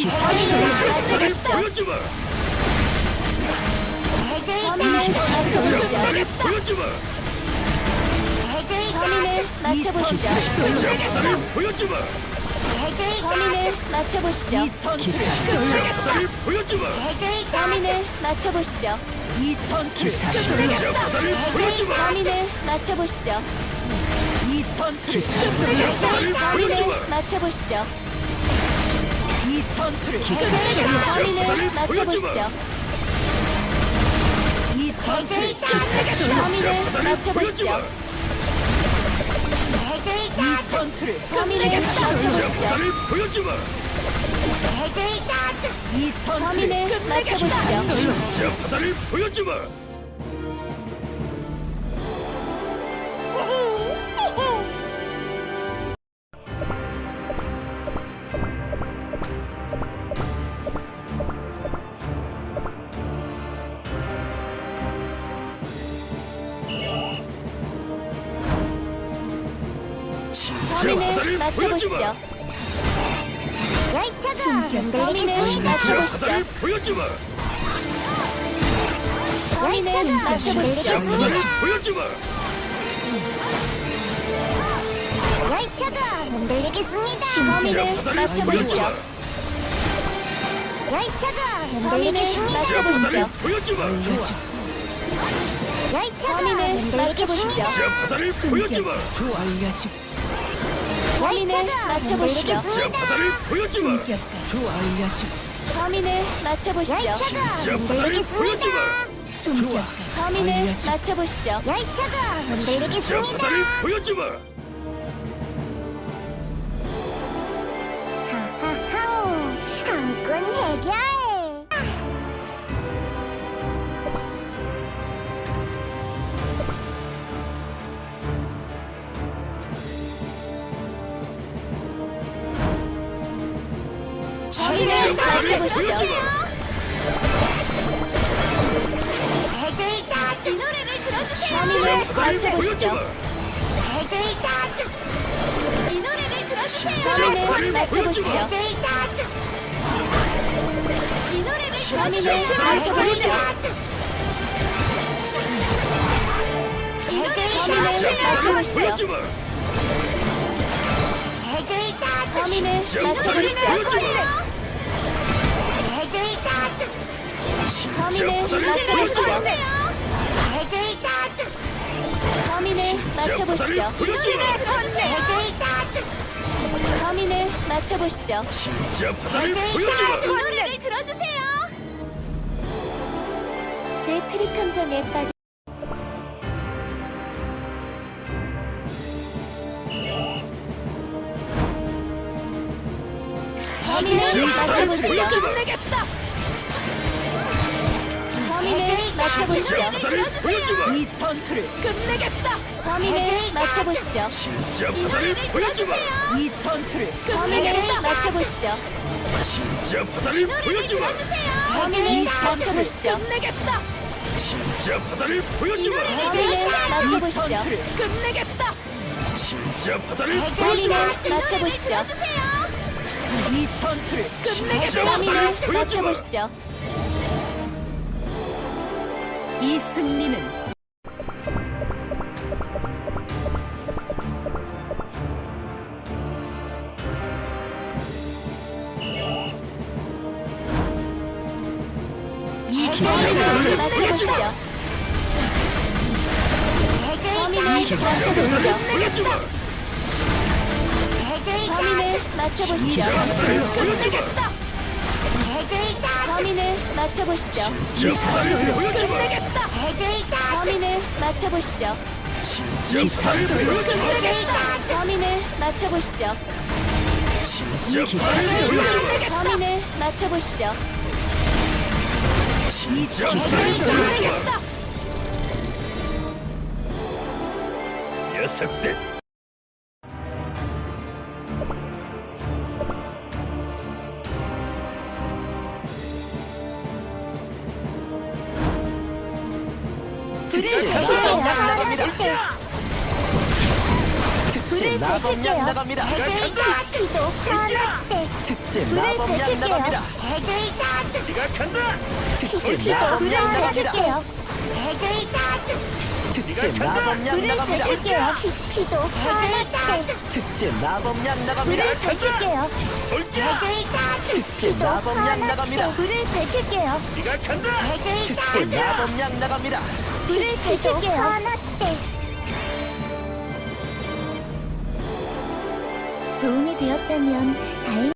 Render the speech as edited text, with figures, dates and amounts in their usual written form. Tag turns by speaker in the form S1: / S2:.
S1: 범인을 맞춰보시죠. 범인을 맞춰보시죠. 범인을 맞춰보시죠. 범인을 맞춰보시죠. 범인을 맞춰보시죠. 범인을 맞춰보시죠. 범인을 맞춰보시죠. 범인을 맞춰보시죠. 범인을 맞춰보시죠. 범인을 맞춰보시죠. 범인을 맞춰보시죠. 범인을 맞춰보시죠. 범인을 맞춰보시죠. 범인을 맞춰보시죠.
S2: 열차가 흔들리겠습니다.
S1: 범인을 맞춰보시죠.
S2: 열차가
S1: 범인을
S2: 흔들리겠습니다.
S1: 맞춰보시죠.
S2: 열차가
S1: 범인을 맞춰보시죠.
S2: 흔들리겠습니다.
S1: 범인을 맞춰보시죠. 범인을 맞춰보시죠.
S2: 열차가 흔들리겠습니다.
S1: 범인을 맞춰보시죠.
S2: 열차가 흔들리겠습니다. 하하하, 한건 해결.
S1: 범인을 맞춰보시죠.
S2: 이 노래를 들어주세요.
S1: 범인을 맞춰보시죠.
S2: 이 노래를 들어주세요.
S1: 범인을 맞춰보시죠.
S2: 이 노래를
S1: 범인을 맞춰보시죠. 범인을 맞춰보시죠. 범인을 맞춰보시죠. 범인을 맞춰보시죠. 범인을 맞춰보시죠. 범인을 맞춰보시죠.
S2: 이 노래를 들어주세요.
S1: 제 트릭 함정에 빠져 범인을 맞춰보시죠. 범인을 맞춰보시죠.
S3: 이 전투를 끝내겠다.
S1: 범인을 맞춰보시죠.
S2: 이 노래를 들어주세요.
S3: 이 전투를
S1: 범인을 맞춰보시죠.
S2: 이 노래를 들어주세요.
S1: 범인을 맞춰보시죠.
S3: 끝내겠다.
S1: 범인을 맞춰보시죠.
S3: 전투를 끝내겠다.
S1: 범인을 맞춰보시죠.
S3: 이 전투를 끝내겠다.
S1: 범인을 맞춰보시죠.
S3: 이 승리는
S1: 범인을 맞춰보시죠. 범인을 맞춰보시죠. 범인을 맞춰보시죠.
S3: 끝내겠다.
S1: 범인을 맞춰보시죠.
S3: 끝내겠다.
S1: 범인을 맞춰보시죠.
S3: 끝내겠다.
S1: 범인을 맞춰보시죠. 범인을 맞춰보시죠.
S3: 끝내겠다.
S4: 녀석들.
S3: 남납니다. 특제 마법약 나갑니다.
S4: 피도 화났대.
S3: 특제 마법약 나갑니다.
S2: 네가 간다.
S3: 특제
S4: 피도
S3: 마법약 나갑니다.
S4: 밝힐게요.
S3: 특제 마법약
S4: 불을
S3: 나갑니다.
S4: 밝힐게요. 피도 화났대.
S3: 특제 마법약 나갑니다.
S4: 불을 밝힐게요.
S2: 돌기야.
S3: 특제
S4: 피도
S3: 마법약 나갑니다.
S4: 화났대. 불을 밝힐게요.
S2: 네가 간다.
S3: 특제 마법약 나갑니다.
S4: 불을 밝힐게요. 화났대. 도움이 되었다면 다행.